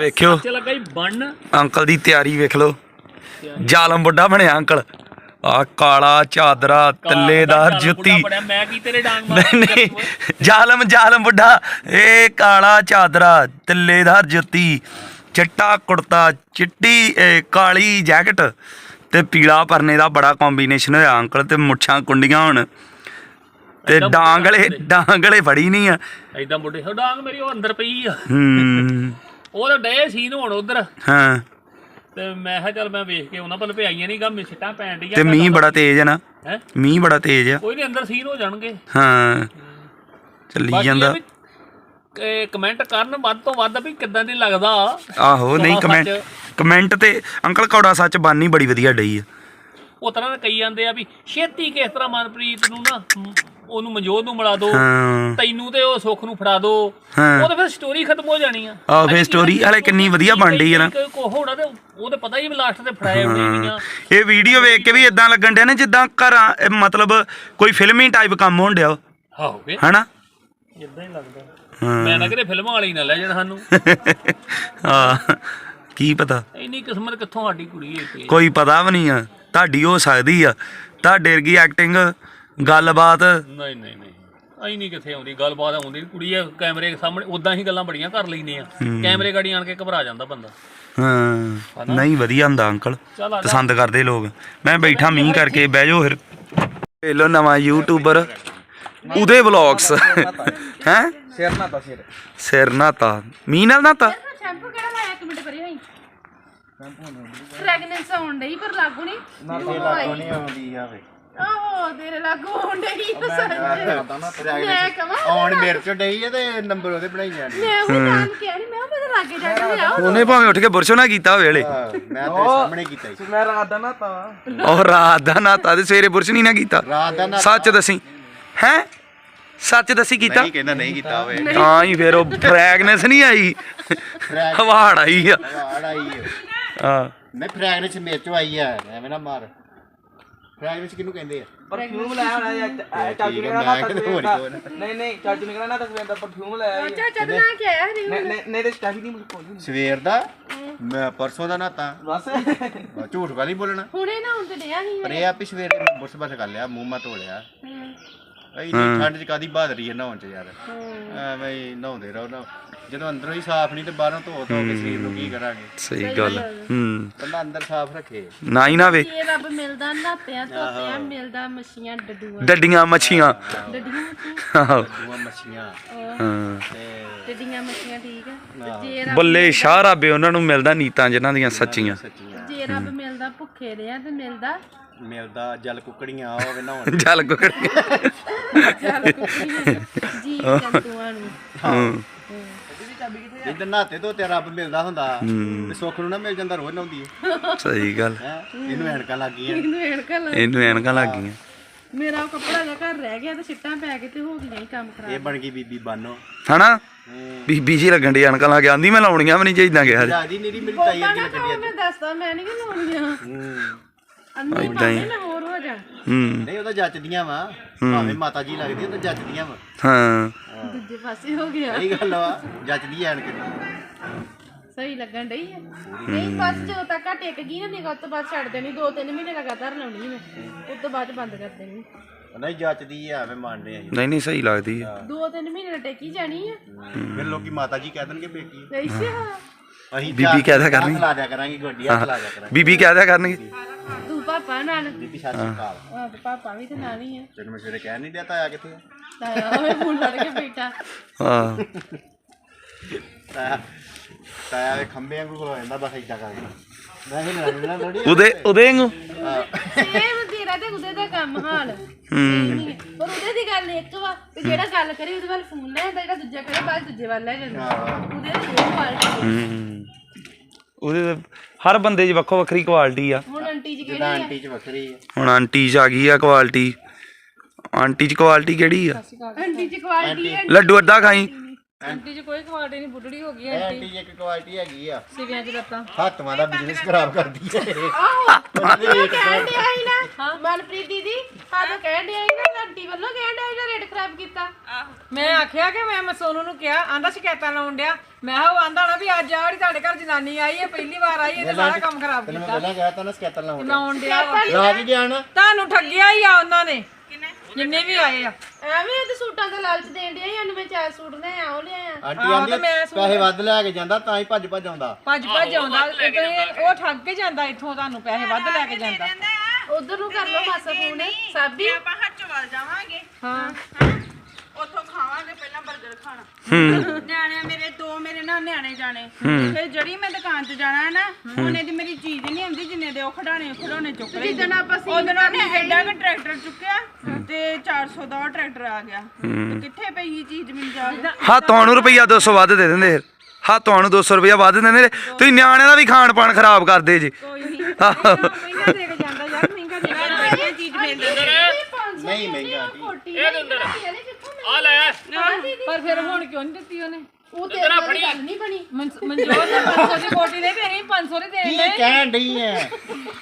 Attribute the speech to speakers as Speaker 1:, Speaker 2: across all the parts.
Speaker 1: ਵੇਖਿਓ
Speaker 2: ਲੱਗਾ ਹੀ ਬਣ
Speaker 1: ਅੰਕਲ ਦੀ ਤਿਆਰੀ ਵੇਖ ਲਓ ਜ਼ਾਲਮ ਬੁੱਢਾ ਬਣਿਆ ਅੰਕਲ ਆ ਕਾਲਾ ਚਾਦਰਾ ਤੱਲੇਦਾਰ ਜੁੱਤੀ
Speaker 2: ਮੈਂ ਕੀ ਤੇਰੇ ਡਾਂਗ
Speaker 1: ਨਹੀਂ ਜ਼ਾਲਮ ਬੁੱਢਾ ਇਹ ਕਾਲਾ ਚਾਦਰਾ ਤੱਲੇਦਾਰ ਜੁੱਤੀ ਚਿੱਟਾ ਕੁੜਤਾ ਚਿੱਟੀ ਕਾਲੀ ਜੈਕਟ ਤੇ ਪੀਲਾ ਪਰਨੇ ਦਾ ਬੜਾ ਕੰਬੀਨੇਸ਼ਨ ਹੋਇਆ ਅੰਕਲ ਤੇ ਮੁੱਛਾਂ ਕੁੰਡੀਆਂ ਹੁਣ ਤੇ ਡਾਂਗਲੇ ਫੜੀ ਨਹੀਂ ਆ
Speaker 2: ਏਦਾਂ ਬੁੱਢੇ ਡਾਂਗ ਮੇਰੀ ਉਹ ਅੰਦਰ ਪਈ ਆ ਉਹ ਤਾਂ ਡੇ ਸੀਨ ਹੁਣ ਉਧਰ
Speaker 1: ਹਾਂ
Speaker 2: ਤੇ ਮੈਂ ਕਿਹਾ ਚੱਲ ਮੈਂ ਵੇਖ ਕੇ ਉਹਨਾਂ ਵੱਲ ਭਿਆਈਆਂ ਨਹੀਂ ਗਾ ਮਿੱਛਟਾਂ ਪੈਣ ਡੀਆਂ
Speaker 1: ਤੇ ਮੀਂਹ ਬੜਾ ਤੇਜ਼ ਹੈ ਨਾ ਮੀਂਹ ਬੜਾ ਤੇਜ਼ ਆ
Speaker 2: ਕੋਈ ਨਹੀਂ ਅੰਦਰ ਸੀਨ ਹੋ ਜਾਣਗੇ
Speaker 1: ਹਾਂ ਚੱਲੀ ਜਾਂਦਾ
Speaker 2: ਕਮੈਂਟ ਕਰਨ ਵੱਧ ਤੋਂ ਵੱਧ ਵੀ ਕਿੱਦਾਂ ਦੀ ਲੱਗਦਾ
Speaker 1: ਆਹੋ ਨਹੀਂ ਕਮੈਂਟ ਤੇ ਅੰਕਲ ਕੌੜਾ ਸੱਚ ਬਾਨੀ ਬੜੀ ਵਧੀਆ ਡਈ ਆ
Speaker 2: ਉਹ ਤਰ੍ਹਾਂ ਕਈ ਜਾਂਦੇ ਆ ਵੀ ਛੇਤੀ ਕਿਸ ਤਰ੍ਹਾਂ ਮਨਪ੍ਰੀਤ ਨੂੰ ਨਾ ਉਹਨੂੰ ਮਨਜੋਤ ਨੂੰ ਮਿਲਾ ਦੋ ਤੈਨੂੰ ਤੇ ਉਹ ਸੁੱਖ ਨੂੰ ਫੜਾ ਦੋ ਉਹ ਤਾਂ ਫਿਰ ਸਟੋਰੀ ਖਤਮ ਹੋ ਜਾਣੀ ਆ
Speaker 1: ਆਹ ਫਿਰ ਸਟੋਰੀ ਹਲੇ ਕਿੰਨੀ ਵਧੀਆ ਬਣ ਡਈ ਆ ਨਾ
Speaker 2: ਹੋਣਾ ਤੇ ਉਹ ਤਾਂ ਪਤਾ ਹੀ ਲਾਸਟ ਤੇ ਫੜਾਏ ਹੋਣੇ
Speaker 1: ਇਹ ਵੀਡੀਓ ਵੇਖ ਕੇ ਵੀ ਇਦਾਂ ਲੱਗਣ ਡਿਆ ਨਾ ਜਿੱਦਾਂ ਘਰਾਂ ਮਤਲਬ ਕੋਈ ਫਿਲਮੀ ਟਾਈਪ ਕੰਮ ਹੋਣ ਡਿਆ ਹਨਾ
Speaker 2: ਇਦਾਂ ਹੀ ਲੱਗਦਾ ਮੈਂ ਨਾ ਕਿਤੇ ਫਿਲਮਾਂ ਵਾਲੀ ਨਾ ਲੈ ਜਾਣ ਸਾਨੂੰ
Speaker 1: ਹਾਂ ਕੀ ਪਤਾ
Speaker 2: ਇੰਨੀ ਕਿਸਮਤ ਕਿੱਥੋਂ ਸਾਡੀ ਕੁੜੀ ਹੈ
Speaker 1: ਕੋਈ ਪਤਾ ਵੀ ਨਹੀਂ ਆ ਤੁਹਾਡੀ ਹੋ ਸਕਦੀ ਆ ਤੁਹਾਡੇ ਵਰਗੀ ਐਕਟਿੰਗ ਗੱਲਬਾਤ
Speaker 2: ਨਹੀਂ ਅਸੀਂ ਨਹੀਂ ਕਿੱਥੇ ਆਉਂਦੀ ਗੱਲਬਾਤ ਆਉਂਦੀ ਕੁੜੀ ਆ ਕੈਮਰੇ ਸਾਹਮਣੇ ਉਦਾਂ ਹੀ ਗੱਲਾਂ ਬੜੀਆਂ ਕਰ ਲੈਂਦੇ ਆ ਕੈਮਰੇ ਗਾੜੀ ਆਣ ਕੇ ਘਬਰਾ ਜਾਂਦਾ ਬੰਦਾ
Speaker 1: ਹਾਂ ਨਹੀਂ ਵਧੀਆ ਹੁੰਦਾ ਅੰਕਲ ਪਸੰਦ ਕਰਦੇ ਲੋਕ ਮੈਂ ਬੈਠਾ ਮੀਂਹ ਕਰਕੇ ਬਹਿ ਜਾਓ ਫਿਰ ਵੇਖ ਲਓ ਨਵਾਂ ਯੂਟਿਊਬਰ ਉਹਦੇ ਵਲੌਗਸ ਹੈ ਸਿਰ ਨਾਤਾ ਮੀਂਹ ਨਾਲ ਨਾਤਾ
Speaker 3: ਸ਼ੈਂਪੂ ਕਿਹੜਾ ਲਾਇਆ ਇੱਕ ਮਿੰਟ ਕਰੀ ਹੋਈ ਫ੍ਰੈਗਨੈਂਸ ਆਉਣ ਡਈ ਪਰ ਲਾਗੂ ਨਹੀਂ
Speaker 4: ਨਹੀਂ ਆਉਂਦੀ ਆ ਵੇ
Speaker 3: ਆਹੋ ਤੇਰੇ ਲਾਗੂ ਆਉਣ ਡਈ ਮੈਂ ਕਹਾਂ
Speaker 4: ਆਉਣ ਮੇਰੇ ਚ ਡਈ ਆ ਤੇ ਨੰਬਰ ਉਹਦੇ ਬਣਾਈ ਜਾਣੀ
Speaker 3: ਮੈਂ ਉਹ ਤਾਂ ਕਿਹਾ ਨਹੀਂ ਮੈਂ ਉਹਦੇ ਲਾਗੇ ਜਾ ਕੇ ਲਿਆਓ
Speaker 1: ਉਹਨੇ ਭਾਵੇਂ ਉੱਠ ਕੇ ਬੁਰਸ਼ ਨਾ ਕੀਤਾ ਵੇਲੇ
Speaker 4: ਮੈਂ ਤੇਰੇ ਸਾਹਮਣੇ ਕੀਤਾ ਸੀ
Speaker 5: ਮੈਂ ਰਾਤ ਦਾ ਨਾਤਾ
Speaker 1: ਉਹ ਰਾਤ ਦਾ ਨਾਤਾ ਤੇ ਸਵੇਰੇ ਬੁਰਸ਼ ਨਹੀਂ ਨਾ ਕੀਤਾ
Speaker 4: ਰਾਤ ਦਾ ਨਾ
Speaker 1: ਸੱਚ ਦੱਸੀ ਹੈ ਸੱਚ ਦੱਸੀ ਕੀਤਾ
Speaker 4: ਨਹੀਂ ਕਹਿੰਦਾ ਨਹੀਂ ਕੀਤਾ ਹੋਵੇ
Speaker 1: ਤਾਂ ਹੀ ਫਿਰ ਉਹ ਫ੍ਰੈਗਨੈਂਸ ਨਹੀਂ ਆਈ ਹਵਾੜ ਆਈ ਆ
Speaker 4: ਵਾੜ ਆਈ
Speaker 1: ਹਾਂ
Speaker 4: ਮੈਂ ਫ੍ਰੈਗਨੈਂਸ ਮੇਰੇ ਚੋਂ ਆਈ ਆ ਐਵੇਂ ਨਾ ਮਾਰ ਫ੍ਰੈਗਨੈਂਸ ਕਿਹਨੂੰ ਕਹਿੰਦੇ ਆ
Speaker 5: ਪਰਫਿਊਮ ਲਾਇਆ ਹੋਣਾ ਚਾਚੂ ਨੇ ਨਹੀਂ ਚਾਚੂ ਨੇ ਕਹਿੰਦਾ ਨਾ ਤਸਵੀਰ ਦਾ ਪਰਫਿਊਮ ਲਾਇਆ
Speaker 3: ਚਾਚਾ ਦਾ ਨਾਂ ਕੀ ਆਇਆ ਹਰੀ
Speaker 5: ਨਹੀਂ ਤੇ ਚਾਚੀ ਨਹੀਂ ਮੁੱਕ
Speaker 4: ਸਵੇਰ ਦਾ ਮੈਂ ਪਰਸੋਂ ਦਾ ਨਾਤਾ
Speaker 5: ਬਸ
Speaker 4: ਝੂਠ ਵਾਲੀ ਬੋਲਣਾ
Speaker 3: ਹੁਣੇ ਨਾ ਹੁੰਦੇ ਡਿਆ ਨਹੀਂ
Speaker 4: ਪਰ ਇਹ ਆ ਵੀ ਸਵੇਰੇ ਮੈਂ ਬੁਰਸ਼ ਬਸ ਕਰ ਲਿਆ ਮੂੰਹ ਮਾ ਧੋ ਲਿਆ ਨਹੀਂ ਠੰਡ ਚ ਕਾਦੀ ਬਹਾਦਰੀ ਹੈ ਨਹਾਉਣ ਚ ਯਾਰ ਐਵੇਂ ਹੀ ਨਹਾਉਂਦੇ ਰਹੋ ਨਾ ਜਦੋਂ ਅੰਦਰੋਂ ਹੀ ਸਾਫ਼ ਨਹੀਂ ਤੇ ਬਾਹਰੋਂ ਧੋ ਕੇ ਸਰੀਰ ਨੂੰ ਕੀ ਕਰਾਂਗੇ
Speaker 1: ਸਹੀ ਗੱਲ
Speaker 4: ਬੰਦਾ ਅੰਦਰ ਸਾਫ਼ ਰੱਖੇ
Speaker 1: ਨਾ ਹੀ ਨਾ ਵੇ
Speaker 3: ਇਹ ਰੱਬ ਮਿਲਦਾ ਨਾਤਿਆਂ ਧੋਤਿਆਂ ਮਿਲਦਾ ਮੱਛੀਆਂ ਡੱਡੂਆਂ
Speaker 1: ਡੱਡੀਆਂ ਮੱਛੀਆਂ
Speaker 3: ਡੱਡੀਆਂ
Speaker 1: ਆਹੋ
Speaker 4: ਦੂਆ ਮੱਛੀਆਂ
Speaker 1: ਹਾਂ
Speaker 3: ਡੱਡੀਆਂ ਮੱਛੀਆਂ ਠੀਕ ਆ ਜੇ
Speaker 1: ਬੱਲੇ ਸ਼ਾਹ ਰੱਬੇ ਉਹਨਾਂ ਨੂੰ ਮਿਲਦਾ ਨੀਤਾਂ ਜਿਨ੍ਹਾਂ ਦੀਆਂ ਸੱਚੀਆਂ
Speaker 3: ਜੇ ਰੱਬ ਮਿਲਦਾ ਭੁੱਖੇ ਰਿਆਂ ਤੇ
Speaker 4: ਮਿਲਦਾ ਜਲ ਕੁਕੜੀਆਂ ਹੋਵੇ ਨਹਾਉਣ
Speaker 1: ਚੱਲ ਕੋਈ
Speaker 3: ਜੀ ਜੰਤੂਆਂ ਨੂੰ
Speaker 4: ਜਿੱਦਾਂ ਨਹਾਤੇ ਤੋਂ ਤੇ ਰੱਬ ਮਿਲਦਾ ਹੁੰਦਾ ਤੇ ਸੁੱਖ ਨੂੰ ਨਾ ਮਿਲ ਜਾਂਦਾ ਰੋਜ਼ ਨਹਾਉਂਦੀ ਹੈ
Speaker 1: ਸਹੀ ਗੱਲ
Speaker 4: ਇਹਨੂੰ ਐਨਕਾਂ ਲੱਗ ਗਈਆਂ
Speaker 1: ਇਹਨੂੰ ਐਨਕਾਂ ਲੱਗ ਗਈਆਂ
Speaker 3: ਮੇਰਾ ਉਹ ਕੱਪੜਾ ਜਿਹਾ ਘਰ ਰਹਿ ਗਿਆ ਤੇ ਛਿੱਟਾਂ ਪੈ ਕੇ ਤੇ ਹੋ ਗਈਆਂ ਹੀ ਕੰਮ ਖਰਾਬ
Speaker 4: ਇਹ ਬਣ ਗਈ ਬੀਬੀ ਬਾਨੋ
Speaker 1: ਹਨਾ ਬੀਬੀ ਜੀ ਲੱਗਣ ਦੀ ਅਣਕਾਂ ਲਾ ਕੇ ਆਂਦੀ ਮੈਂ ਲਾਉਣੀਆਂ ਵੀ ਨਹੀਂ ਚਾਹੀਦਾ ਗਿਆ
Speaker 4: ਜਿਆਦੀ ਨੀਰੀ ਮੇਰੀ ਤਾਈ ਅੱਗੇ ਲੱਗਦੀ
Speaker 3: ਮੈਂ ਦੱਸਦਾ ਮੈਂ ਨਹੀਂ ਲਾਉਣੀਆਂ ਅੰਨੀ ਭਾਵੇਂ ਮੈਂ ਹੋਰ ਹੋ ਜਾ
Speaker 4: ਨਹੀਂ ਉਹਦਾ ਜੱਚਦੀਆਂ ਵਾ ਭਾਵੇਂ ਮਾਤਾ ਜੀ ਲੱਗਦੀ ਉਹ ਤਾਂ ਜੱਚਦੀਆਂ ਵਾ
Speaker 1: ਹਾਂ
Speaker 3: ਦੂਜੇ ਪਾਸੇ ਹੋ ਗਿਆ
Speaker 4: ਸਹੀ ਗੱਲ ਵਾ ਜੱਚਦੀ ਐਨਕ
Speaker 3: ਸਹੀ ਲੱਗਣ ਡਈ ਹੈ ਨਹੀਂ ਬਸ ਜਦੋਂ ਤੱਕ ਆ ਟਿਕ ਗਈ ਨਾ ਨਿਕਲ ਤੋਂ ਬਾਅਦ ਛੱਡ ਦੇਣੀ 2-3 ਮਹੀਨੇ ਲਗਾਤਾਰ ਲਾਉਣੀ ਮੈਂ ਉਸ ਤੋਂ ਬਾਅਦ ਬੰਦ ਕਰ ਦੇਣੀ
Speaker 4: ਨਹੀਂ ਜੱਚਦੀ ਆ ਐਵੇਂ ਮੰਨਦੇ ਆ
Speaker 1: ਨਹੀਂ ਸਹੀ ਲੱਗਦੀ ਹੈ
Speaker 3: 2-3 ਮਹੀਨੇ ਟੇਕੀ ਜਾਣੀ ਆ
Speaker 4: ਫਿਰ ਲੋਕੀ ਮਾਤਾ ਜੀ ਕਹਿ ਦੇਣਗੇ ਬੇਟੀ
Speaker 3: ਅੱਛਾ
Speaker 4: ਅਸੀਂ
Speaker 1: ਬੀਬੀ ਕਹਿ ਦਿਆ ਕਰਨਗੇ
Speaker 4: ਲਾ ਦਿਆ ਕਰਾਂਗੇ ਗੋਡੀਆਂ ਲਾ ਦਿਆ ਕਰਾਂਗੇ
Speaker 1: ਬੀਬੀ ਕਹਿ ਦਿਆ ਕਰਨਗੇ
Speaker 3: ਤੂੰ ਪਾਪਾ ਨਾਲ
Speaker 4: ਬੀਬੀ ਸਤਿ ਸ਼੍ਰੀ ਅਕਾਲ
Speaker 3: ਹਾਂ ਤੇ ਪਾਪਾ ਵੀ ਤੇ ਨਾਲ ਹੀ ਆ
Speaker 4: ਤੈਨੂੰ ਮੈਂ ਸਵੇਰੇ ਕਹਿ ਨਹੀਂ ਦਿਆ ਤਾਇਆ ਕਿੱਥੇ ਆ
Speaker 3: ਤਾਇਆ ਹੋਵੇ ਫੋਨ ਲੜ ਕੇ ਬੈਠਾ
Speaker 1: ਹਾਂ
Speaker 4: ਤਾਇਆ ਦੇ ਖੰਭੇ ਵਾਂਗੂ ਹੋ ਜਾਂਦਾ ਬਸ ਏਦਾਂ ਕਰਕੇ ਮੈਂ ਹੀ ਲੜਨਾ ਥੋੜੀ
Speaker 1: ਉਹਦੇ ਵਾਂਗੂ
Speaker 3: ਸੇਮ ਤੇਰਾ ਤੇ ਉਹਦੇ ਦਾ ਕੰਮ ਹਾਲ ਪਰ ਉਹਦੇ ਦੀ ਗੱਲ ਇੱਕ ਵਾ ਕਿ ਜਿਹੜਾ ਗੱਲ ਕਰੇ ਉਹਦੇ ਵੱਲ ਫੋਨ ਲੈ ਜਾਂਦਾ ਜਿਹੜਾ ਦੂਜਾ ਕਰੇ ਬਾਅਦ ਦੂਜੇ ਵੱਲ ਲੈ ਜਾਂਦਾ ਉਹਦੇ ਦੀ ਇਹ ਕੁਆਲਿਟੀ
Speaker 1: ਉਹਦੇ ਹਰ ਬੰਦੇ 'ਚ ਵੱਖੋ ਵੱਖਰੀ ਕੁਆਲਿਟੀ ਆ
Speaker 3: ਹੁਣ ਆਂਟੀ ਜੀ ਕਿਹੜੀ
Speaker 4: ਆਂਟੀ ਚ ਵੱਖਰੀ ਆ
Speaker 1: ਹੁਣ ਆਂਟੀ 'ਚ ਆ ਗਈ ਆ ਕੁਆਲਿਟੀ ਆਂਟੀ 'ਚ ਕੁਆਲਿਟੀ ਕਿਹੜੀ ਆ
Speaker 3: ਆਂਟੀ ਜੀ ਕੁਆਲਿਟੀ ਹੈ
Speaker 1: ਲੱਡੂ ਅੱਧਾ ਖਾਈ
Speaker 3: ਆਂਟੀ ਚ ਕੋਈ ਕੁਆਲਿਟੀ ਨਹੀਂ, ਬੁੱਢੜੀ ਹੋ ਗਈ
Speaker 4: ਐਂਟੀ ਇੱਕ ਕੁਆਲਿਟੀ ਹੈਗੀ ਆ,
Speaker 3: ਸਿਵਿਆਂ ਚ ਲੱਤਾਂ।
Speaker 4: ਹੱਥਾਂ ਦਾ ਬਿਜ਼ਨਸ ਖਰਾਬ ਕਰਦੀ ਹੈ
Speaker 3: ਕਹਿਣ ਡਿਆ ਸੀ ਨਾ ਮਨਪ੍ਰੀਤ ਦੀਦੀ, ਸਾਨੂੰ ਕਹਿਣ ਡਿਆ ਸੀ ਨਾ, ਆਂਟੀ ਵੱਲੋਂ ਕਹਿਣ ਡਿਆ ਸੀ ਨਾ ਰੇਟ ਖਰਾਬ ਕੀਤਾ।
Speaker 6: ਮੈਂ ਆਖਿਆ ਕਿ ਮੈਂ ਸੋਨੂ ਨੂੰ ਕਿਹਾ, ਆਂਦਾ ਸ਼ਿਕਾਇਤਾਂ ਲਾਉਣ ਡਿਆ। ਮੈਂ ਕਿਹਾ ਉਹ ਆਂਦਾ ਨਾ ਵੀ ਅੱਜ ਆੜੀ ਤੁਹਾਡੇ ਘਰ ਜਨਾਨੀ ਆਈ ਹੈ, ਪਹਿਲੀ ਵਾਰ ਆਈ ਹੈ ਤੇ ਸਾਰਾ ਕੰਮ ਖਰਾਬ
Speaker 4: ਤੈਨੂੰ ਮੈਂ
Speaker 6: ਕੀਤਾ।
Speaker 4: ਪਹਿਲਾਂ ਕਿਹਾ ਤਾਂ ਨਾ ਸਕੈਤਰ ਲਾਉਣ
Speaker 6: ਲਾਉਣ ਡਿਆ ਵਾ।
Speaker 4: ਲਾ ਕੇ ਗਿਆ ਨਾ।
Speaker 6: ਤੁਹਾਨੂੰ ਠੱਗਿਆ ਹੀ ਆ ਉਹਨਾਂ ਨੇ, ਜਿੰਨੇ ਵੀ ਆਏ ਆ।
Speaker 3: ਐਵੇਂ ਤੇ ਸੂਟਾਂ ਦਾ ਲਾਲਚ ਦੇਣ ਡਿਆ ਸੀ, ਸਾਨੂੰ ਮੈਂ 4 ਸੂਟ ਲੈ ਆ, ਉਹ ਲਿਆ
Speaker 4: ਆਂਟੀ ਆਂਦੀ ਪੈਸੇ ਵੱਧ ਲੈ ਕੇ ਜਾਂਦਾ ਤਾਂ ਹੀ ਭੱਜ ਆਉਂਦਾ।
Speaker 6: ਭੱਜ ਆਉਂਦਾ, ਉਹ ਠੱਗ ਕੇ ਜਾਂਦਾ ਇੱਥੋਂ, ਤੁਹਾਨੂੰ ਪੈਸੇ ਵੱਧ ਲੈ ਕੇ ਜਾਂਦਾ।
Speaker 3: ਉਧਰ ਨੂੰ ਕਰ ਲਓ ਮਾਸਾ ਫੋਨ ਸਾਬੀ।
Speaker 7: ਆਪਾਂ ਹੱਚਵਾਲ ਜਾਵਾਂਗੇ,
Speaker 6: ਹਾਂ
Speaker 7: ਉੱਥੋਂ ਖਾਵਾਂਗੇ ਪਹਿਲਾਂ 버ਗਰ ਖਾਣਾ। ਨਿਆਣੇ ਮੇਰੇ 2 ਮੇਰੇ ਨਾਲ ਨਿਆਣੇ ਜਾਣੇ, ਫਿਰ ਜਿਹੜੀ ਮੈਂ ਦੁਕਾਨ ਤੇ ਜਾਣਾ ਹੈ ਨਾ, ਉਹਨੇ ਦੀ ਮੇਰੀ ਚੀਜ਼ ਨਹੀਂ ਆਉਂਦੀ, ਜਿੰਨੇ ਦੇ ਉਹ ਖਿਡਾਣੇ ਚੁੱਕ ਲਏ।
Speaker 3: ਜਿੱਦਣ ਆਪਾਂ
Speaker 7: ਉਹਦੇ ਨਾਲ ਨੇ ਐਡਾ ਕਿ ਟਰੈਕਟਰ ਚੁੱਕਿਆ ਤੇ 400 ਦਾ ਉਹ ਟਰੈਕਟਰ ਆ ਗਿਆ। ਤੇ ਕਿੱਥੇ ਪਈ ਚੀਜ਼ ਮੈਨੂੰ ਜਾ ਕੇ?
Speaker 1: ਹਾਂ ਤੁਹਾਨੂੰ ਰੁਪਈਆ 200 ਵੱਧ ਦੇ ਦਿੰਦੇ ਫਿਰ। ਹਾਂ ਤੁਹਾਨੂੰ 200 ਰੁਪਈਆ ਵੱਧ ਦਿੰਦੇ ਨੇ, ਤੁਸੀਂ ਨਿਆਣਿਆਂ ਦਾ ਵੀ ਖਾਣ ਪਾਣ ਖਰਾਬ ਕਰਦੇ ਜੀ।
Speaker 6: ਕੋਈ ਨਹੀਂ ਮਹਿੰਗਾ ਦੇ ਕੇ ਜਾਂਦਾ ਯਾਰ, ਮਹਿੰਗਾ ਦੇ ਕੇ
Speaker 7: ਚੀਜ਼ ਮਿਲ ਜਾਂਦੀ।
Speaker 4: ਨਹੀਂ ਮਹਿੰਗਾ ਆਂਟੀ।
Speaker 2: ਇਹ ਦੇ ਅੰਦਰ ਆ ਲੈ।
Speaker 6: ਪਰ ਫਿਰ ਹੁਣ ਕਿਉਂ ਨਹੀਂ ਦਿੱਤੀ ਉਹਨੇ?
Speaker 3: ਉਹ ਤੇਰੇ ਨਾਲ ਗੱਲ ਨਹੀਂ ਬਣੀ।
Speaker 6: ਮਨਜੋਤ ਨੇ 500 ਦੀ ਕੋਟੀ ਦੇ ਦੇਣੀ, 500 ਦੀ ਦੇਣ
Speaker 4: ਕੀ
Speaker 6: ਦੇ।
Speaker 4: ਕਹਿਣ ਡਈ ਹੈ?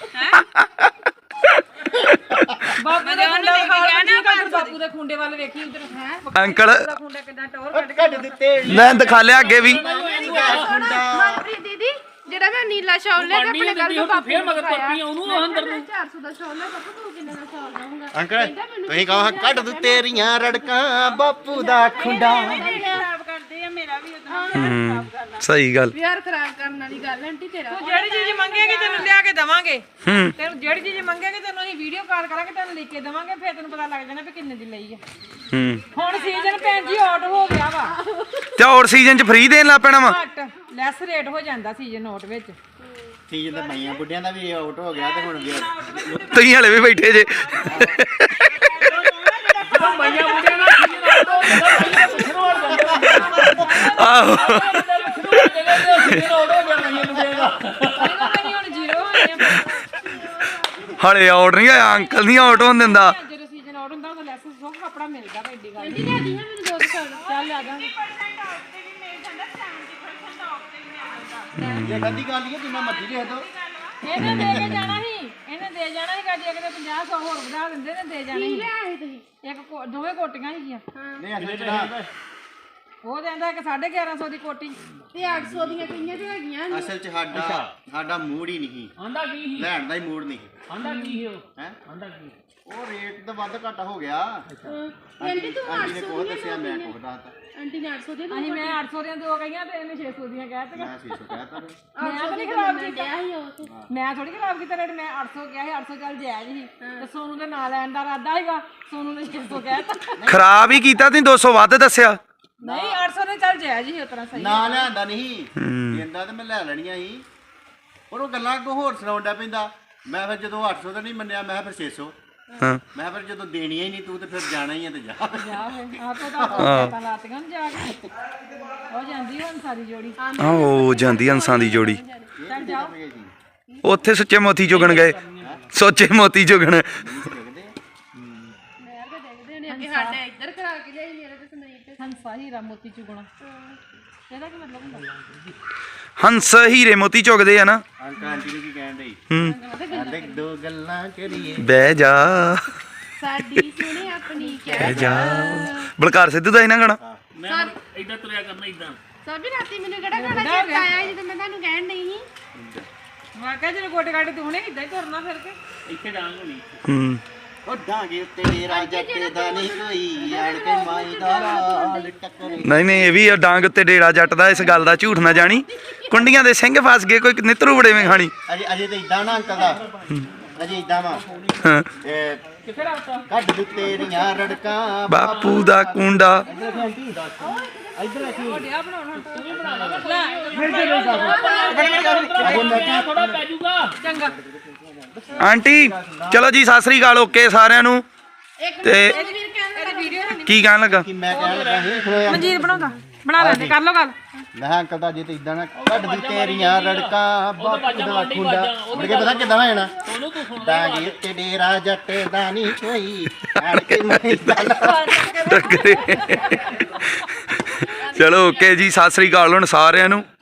Speaker 6: ਬਾਪੂ ਦੇ ਖੁੰਡੇ ਬਾਪੂ ਦੇ ਖੁੰਡੇ ਵੱਲ ਵੇਖੀ ਉਧਰ ਹੈ
Speaker 1: ਅੰਕਲ
Speaker 6: ਖੁੰਡਾ ਕਿੱਦਾਂ ਟੌਰ ਕੱਢ ਕੇ
Speaker 4: ਕੱਢ ਦਿੱਤੇ।
Speaker 1: ਮੈਂ ਦਿਖਾ ਲਿਆ ਅੱਗੇ ਵੀ।
Speaker 3: ਮਨਪ੍ਰੀਤ ਦੀਦੀ, ਜਿਹੜਾ ਮੈਂ ਨੀਲਾ ਸ਼ਾਲ ਲੈ ਕੇ ਆਪਣੇ ਘਰ ਤੋਂ ਬਾਪੂ
Speaker 2: ਫੇਰ ਮਗਰ ਪੱਪੀ ਉਹਨੂੰ ਅੰਦਰ ਨੂੰ
Speaker 3: 400 ਦਾ ਸ਼ਾਲ ਲੈ ਬਾਪੂ, ਤੂੰ ਕਿੰਨੇ ਦਾ ਸ਼ਾਲ ਲਾਉਂਗਾ?
Speaker 4: ਅੰਕਲ ਤੁਸੀਂ ਕਹੋ ਕੱਢ ਦੂ ਤੇਰੀਆਂ ਰੜਕਾਂ ਬਾਪੂ ਦਾ ਖੁੰਡਾ।
Speaker 7: ਖਰਾਬ ਕਰਦੇ ਆ, ਮੇਰਾ ਵੀ ਉਹਦਾ
Speaker 1: ਸਹੀ ਗੱਲ।
Speaker 3: ਯਾਰ ਖਰਾਬ ਕਰਨ ਵਾਲੀ ਗੱਲ ਆਂਟੀ ਤੇਰਾ।
Speaker 6: ਤੂੰ ਜਿਹੜੀ ਚੀਜ਼ ਮੰਗੇਗੀ ਤੈਨੂੰ ਲਿਆ ਕੇ ਦਵਾਂਗੇ। ਤੈਨੂੰ ਜਿਹੜੀ ਚੀਜ਼ ਮੰਗੇਗੀ ਤੈਨੂੰ ਅਸੀਂ ਵੀਡੀਓ ਕਾਲ ਕਰਾਂਗੇ, ਤੈਨੂੰ ਲਿਖ ਕੇ ਦਵਾਂਗੇ, ਫਿਰ ਤੈਨੂੰ ਪਤਾ ਲੱਗ ਜਾਣਾ ਵੀ ਕਿੰਨੇ ਦੀ ਲਈ ਆ। ਹੁਣ ਸੀਜ਼ਨ ਭੈਣ ਜੀ ਆਊਟ ਹੋ ਗਿਆ ਵਾ,
Speaker 1: ਤੇ ਹੋਰ ਸੀਜ਼ਨ 'ਚ ਫ੍ਰੀ ਦੇਣ ਲੱਗ ਪੈਣਾ ਵਾ।
Speaker 6: ਘੱਟ ਲੈਸ ਰੇਟ ਹੋ ਜਾਂਦਾ ਸੀਜ਼ਨ ਆਊਟ ਵਿੱਚ।
Speaker 4: ਸੀਜ਼ਨ ਤੇ ਮਈਆਂ ਬੁੱਢਿਆਂ ਦਾ ਵੀ ਆਊਟ ਹੋ ਗਿਆ ਤੇ ਹੁਣ ਵੀ
Speaker 1: ਤੁਸੀਂ ਹਲੇ ਵੀ ਬੈਠੇ ਜੇ।
Speaker 2: ਮਈਆਂ ਮੁੰਡਿਆਂ ਨਾਲ ਮਈਆਂ ਪੁੱਛਣੋਂ ਆ ਜਾਂਦੇ
Speaker 1: ਆਹੋ
Speaker 6: ਹੁਣ ਜ਼ੀਰੋ ਹੋਣੇ
Speaker 1: ਹਲੇ ਆਊਟ ਨਹੀਂ ਆਇਆ, ਅੰਕਲ ਨਹੀਂ ਆਊਟ ਹੋਣ ਦਿੰਦਾ।
Speaker 6: ਜਦੋਂ ਸੀਜ਼ਨ ਆਊਟ ਹੁੰਦਾ ਉਦੋਂ ਲੈਸ ਸੋ ਕੱਪੜਾ ਮਿਲਦਾ ਵਾ, ਏਡੀ ਗੱਲ
Speaker 3: ਆਂਟੀ ਲੈ ਦੀ ਮੈਨੂੰ 2 ਸ਼ਾਲ।
Speaker 6: ਚੱਲ ਆ ਜਾਾਂਗੇ।
Speaker 4: ਇਹ ਗੱਦੀ ਗੱਲ ਹੀ ਹੈ, ਜਿੰਨਾ ਮਰਜ਼ੀ ਦੇ ਦੋ।
Speaker 6: ਇਹਨੇ ਦੇ ਕੇ ਜਾਣਾ ਸੀ, ਇਹਨੇ ਦੇ ਜਾਣਾ ਸੀ ਗੱਡੀ ਅਗਲੇ 50-100 ਹੋਰ ਵਧਾ ਦਿੰਦੇ ਨੇ, ਦੇ ਜਾਣੀ ਸੀ।
Speaker 3: ਲੈ ਆਏ ਤੁਸੀਂ?
Speaker 6: ਦੋਵੇਂ ਕੋਟੀਆਂ ਸੀਗੀਆਂ,
Speaker 4: ਨਹੀਂ ਅਗਲੇ ਚੜਾ
Speaker 6: ਉਹ ਕਹਿੰਦਾ ਕਿ 1150 ਦੀ ਕੋਟੀ।
Speaker 3: ਤੇ 800 ਦੀਆਂ ਕਈਆਂ ਤੇ ਹੈਗੀਆਂ ਨੇ।
Speaker 4: ਅਸਲ 'ਚ ਸਾਡਾ ਮੂਡ ਹੀ ਨਹੀਂ,
Speaker 2: ਆਂਦਾ ਕੀ ਸੀ?
Speaker 4: ਲੈਣ ਦਾ ਹੀ ਮੂਡ ਨਹੀਂ
Speaker 2: ਆਂਦਾ ਕੀ ਸੀ ਉਹ?
Speaker 4: ਹੈ।
Speaker 2: ਆਂਦਾ ਕੀ?
Speaker 4: ਉਹ ਰੇਟ ਤਾਂ ਵੱਧ ਘੱਟ ਹੋ ਗਿਆ।
Speaker 3: ਆਂਟੀ ਤੂੰ
Speaker 4: ਆਂਟੀ ਨੇ
Speaker 3: 800
Speaker 4: ਕੋਹ
Speaker 3: ਦੀਆਂ
Speaker 4: ਦੱਸਿਆ, ਮੈਂ ਕੋਹ ਦੱਸਤਾ।
Speaker 3: ਆਂਟੀ ਨੇ 800 ਦੀਆਂ
Speaker 6: ਅਸੀਂ ਮੈਂ 800 ਦੀਆਂ 2 ਕਹੀਆਂ ਤੇ ਇਹਨੇ 600 ਦੀਆਂ ਕਹਿ ਦਿੱਤੀਆਂ।
Speaker 4: ਮੈਂ 600 ਕਹਿਤਾ ਫਿਰ।
Speaker 6: ਮੈਂ ਤਾਂ ਨਹੀਂ ਖਰਾਬ ਕੀਤਾ,
Speaker 3: ਡਿਆ ਸੀ ਉਹ ਤੇ।
Speaker 6: ਮੈਂ ਥੋੜੀ ਖਰਾਬ ਕੀਤਾ ਰੇਟ। ਮੈਂ 800 ਕਿਹਾ ਸੀ, 800 ਚੱਲ ਜਾਇਜ਼ ਸੀ। ਤੇ ਸੋਨੂ ਦੇ ਨਾਂ ਲੈਣ ਦਾ ਇਰਾਦਾ ਸੀਗਾ, ਸੋਨੂ ਨੇ 600 ਕਹਿਤਾ।
Speaker 1: ਖਰਾਬ ਹੀ ਕੀਤਾ, ਤੁਸੀਂ 200 ਵੱਧ ਦੱਸਿਆ।
Speaker 6: ਨਹੀਂ 800 ਨੇ ਚੱਲ ਜਾਇਜ਼ ਸੀ, ਉਤਰਾ ਸਹੀ।
Speaker 4: ਨਾ ਲਿਆਂਦਾ ਨਹੀਂ ਦਿੰਦਾ ਤੇ ਮੈਂ ਲੈ ਲੈਣੀਆਂ ਸੀ, ਪਰ ਉਹ ਗੱਲਾਂ ਕੋ ਹੋਰ ਸੁਣਾਉਂਦਾ ਪੈਂਦਾ। ਮੈਂ ਫਿਰ ਜਦੋਂ 800 ਦਾ ਨਹੀਂ ਮੰਨਿਆ, ਮੈਂ ਫਿਰ 600।
Speaker 1: ਹਾਂ
Speaker 4: ਮੈਂ ਫਿਰ ਜਦੋਂ ਦੇਣੀਆਂ ਹੀ ਨਹੀਂ ਤੂੰ ਤੇ ਫਿਰ ਜਾਣਾ ਹੀ ਆ ਤੇ ਜਾ।
Speaker 6: ਜਾ ਫੇ ਆਪੇ ਤਾਂ ਲਾਤੀਆਂ ਨੂੰ ਜਾ ਕੇ ਹੋ ਜਾਂਦੀ ਹੁਣ ਸਾਰੀ ਜੋੜੀ।
Speaker 1: ਆਹੋ ਜਾਂਦੀ ਹੰਸਾਂ ਦੀ ਜੋੜੀ।
Speaker 6: ਚੱਲ ਜਾਓ।
Speaker 1: ਉੱਥੇ ਸੁੱਚੇ ਮੋਤੀ ਚੁਗਣ ਗਏ, ਸੋਚੇ ਮੋਤੀ ਚੁਗਣ।
Speaker 3: ਮੈਂ ਤਾਂ ਦੇਖਦੇ ਨੇ ਕਿ ਸਾਡੇ ਇੱਧਰ ਕਰਾ ਕੇ ਲਿਆਈ, ਮੇਰੇ ਤੇ ਸੁਣਾਈ ਤੇ।
Speaker 6: ਹੰਸਾ ਹੀਰਾ ਮੋਤੀ ਚੁਗਣਾ, ਇਹਦਾ ਕੀ ਮਤਲਬ ਹੁੰਦਾ?
Speaker 1: ਹੰਸ ਹੀਰੇ ਮੋਤੀ ਚੁਗਦੇ ਆ ਨਾ।
Speaker 4: ਅੰਕਲ ਆਂਟੀ ਨੂੰ ਕੀ ਕਹਿਣ ਡਈ? ਕਹਿੰਦੇ 2 ਗੱਲਾਂ ਕਰੀਏ।
Speaker 1: ਬਹਿ ਜਾ
Speaker 3: ਸਾਡੀ ਸੁਣੇ ਆਪਣੀ ਕਹਿ
Speaker 1: ਬਹਿ ਜਾ। ਬਲਕਾਰ ਸਿੱਧੂ ਦਾ ਇਹਨਾਂ ਗਾਣਾ।
Speaker 2: ਮੈਂ ਇਦਾਂ ਤੁਰਿਆ ਕਰਨਾ ਇਦਾਂ।
Speaker 3: ਸਾਬੀ ਰਾਤੀ ਮੈਨੂੰ ਕਿਹੜਾ ਗਾਣਾ ਚੇਤਾ ਆਇਆ ਜਦੋਂ ਮੈਂ ਤੁਹਾਨੂੰ ਕਹਿਣ ਨਹੀਂ ਸੀ?
Speaker 6: ਮੈਂ ਕਿਹਾ ਜਦੋਂ ਗੋਟੇ ਗਾਟੇ ਤੂੰ ਨੇ ਇਦਾਂ ਹੀ ਤੁਰਨਾ ਫਿਰ ਕੇ।
Speaker 2: ਇੱਥੇ ਡਾਂਗ ਹੋਣੀ।
Speaker 4: ਉਹ ਡਾਂਗੇ ਉੱਤੇ ਡੇਰਾ ਜੱਟ ਦਾ ਨਹੀਂ ਕੋਈ, ਆੜ ਕੇ ਮਾਈ ਦਾ ਲਾਲ ਟੱਕਰੇ।
Speaker 1: ਨਹੀਂ ਨਹੀਂ, ਇਹ ਵੀ ਆ, ਡਾਂਗ ਉੱਤੇ ਡੇਰਾ ਜੱਟ ਦਾ। ਇਸ ਗੱਲ ਦਾ ਝੂਠ ਨਾ ਜਾਣੀ, ਕੁੰਡੀਆਂ ਦੇ ਸਿੰਘ ਫਸ ਗਏ, ਕੋਈ ਨਿੱਤਰੂ ਬੜੇਵੇਂ ਖਾਣੀ।
Speaker 4: ਅਜੇ ਤੇ ਇਦਾਂ ਨਾ ਅੰਕਲ ਦਾ, ਅਜੇ ਇਦਾਂ ਵਾ।
Speaker 1: ਹਾਂ।
Speaker 2: ਕਿੱਥੇ ਰੱਖਤਾ?
Speaker 4: ਕੱਢ ਦੂ ਤੇਰੀਆਂ ਰੜਕਾਂ
Speaker 1: ਬਾਪੂ ਦਾ ਕੁੰਡਾ।
Speaker 6: ਢੋਡਿਆ ਬਣਾਉਣਾ ਤੂੰ ਵੀ ਬਣਾ ਲਾ।
Speaker 2: ਥੋੜਾ ਪੈ ਜਾਊਗਾ।
Speaker 6: ਚੰਗਾ
Speaker 1: ਆਂਟੀ ਚਲੋ ਜੀ, ਸਤਿ ਸ੍ਰੀ ਅਕਾਲ, ਓਕੇ ਸਾਰਿਆਂ ਨੂੰ। ਤੇ
Speaker 6: ਇਹਦੀ ਵੀਡੀਓ
Speaker 1: ਕੀ ਕਹਿਣ ਲੱਗਾ?
Speaker 4: ਕਿ ਮੈਂ ਕਹਿਣ ਲੱਗਾ ਸੀ
Speaker 6: ਮਨਜੀਤ ਬਣਾਉਂਦਾ, ਬਣਾ ਲੈਂਦੇ, ਕਰ ਲੋ ਗੱਲ।
Speaker 4: ਮੈਂ ਕਿਹਾ ਅੰਕਲ ਦਾ ਜੇ ਤੇ ਇਦਾਂ ਨਾ ਕੱਢ ਦੂ ਤੇਰੀਆਂ ਰੜਕਾਂ ਬਾਪੂ ਦਾ ਖੁੰਡਾ। ਮੁੜ ਕੇ ਪਤਾ ਕਿੱਦਾਂ ਹੋ ਜਾਣਾ?
Speaker 2: ਉਹਨੂੰ ਤੂੰ ਸੁਣ।
Speaker 4: ਡਾਂਗੇ ਉੱਤੇ ਡੇਰਾ ਜੱਟ ਦਾ ਨਹੀਂ ਕੋਈ, ਆੜ ਕੇ ਮਾਈ ਦਾ ਲਾਲ
Speaker 1: ਟੱਕਰੇ ਚਲੋ ਓਕੇ ਜੀ, ਸਤਿ ਸ੍ਰੀ ਅਕਾਲ ਹੁਣ ਸਾਰਿਆਂ ਨੂੰ।